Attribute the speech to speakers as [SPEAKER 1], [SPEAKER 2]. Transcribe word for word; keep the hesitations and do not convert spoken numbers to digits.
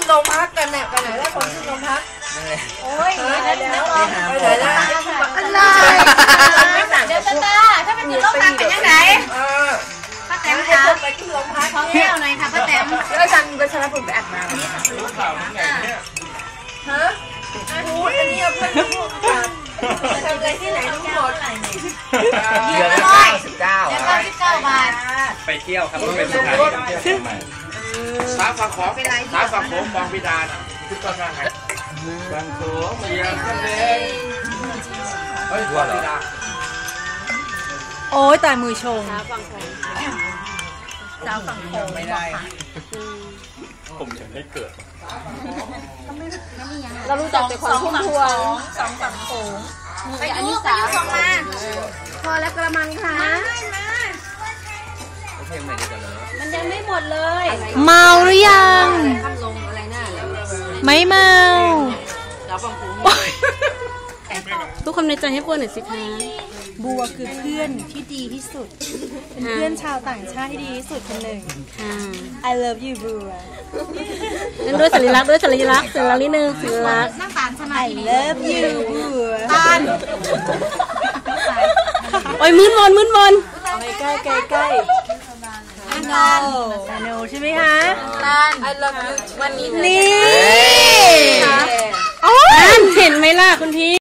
[SPEAKER 1] โรงพักกันเนี่ยไปไหนแล้วคนขึ้นโรงพักโอ้ยไปไหนแล้วไปไหนแล้วอะไรเดี๋ยวตาถ้าเป็นอยู่โรงพักเป็นยังไงป้าแต๋มคะไปขึ้นโรงพักขอแก้วหน่อยค่ะป้าแต๋มแล้วอาจารย์ไปชนะผมไปอัดมาฮะพูดอันนี้เพื่อนพูดทำอะไรที่ไหนทั้งหมดเดือนละร้อยสิบเก้าเดือนละสิบเก้าบาท
[SPEAKER 2] ไปเที่ยวครับเป็นสถานที่ท่องเที่ยวใหม่สามฝั่งของสามฝั่งของบางพิดานทุกต้นทางไหนบางโขงเมียงทะเลเฮ้ยบางพิดา
[SPEAKER 3] โอ้ยตายมือชง
[SPEAKER 1] สาวฝั่งโขงสาวฝั่งโขงไม่ได้
[SPEAKER 2] ผมยังไม่เกิด
[SPEAKER 1] เรารู้จักแต่คนพุ่มพวงสองฝั่งโขงไปยุกไปยุกสองมาพอแล้วกระมังค่ะมันยังไม่หมดเลย
[SPEAKER 3] เมาหรือยัง
[SPEAKER 1] ข้ามลงอะไรหน้า
[SPEAKER 3] ไม่เมา
[SPEAKER 1] สาวฝั่งโขง
[SPEAKER 3] ทุกคนในใจให้บัวหน่อยสิคะบัวคือเพื่อนที่ดีที่สุดเป็นเพื่อนชาวต่างชาติที่ดีที่สุดคนหนึ่ง I love you บัวนั่นด้วยสัญลักษณ์ด้วยสัญลักษณ์สัญลักษณ์นิดนึงสัญลักษณ์
[SPEAKER 1] นั่งตาลใช่ไหม
[SPEAKER 3] I love you บัว
[SPEAKER 1] ตาล
[SPEAKER 3] โอ้ยมืดมนมืดมน
[SPEAKER 1] ใกล้ใกล้ใกล้ตาล
[SPEAKER 3] ตาลใช่ไหมคะ
[SPEAKER 1] ตาล I love you วันนี้
[SPEAKER 3] นี่เห็นไหมล่ะคุณพี่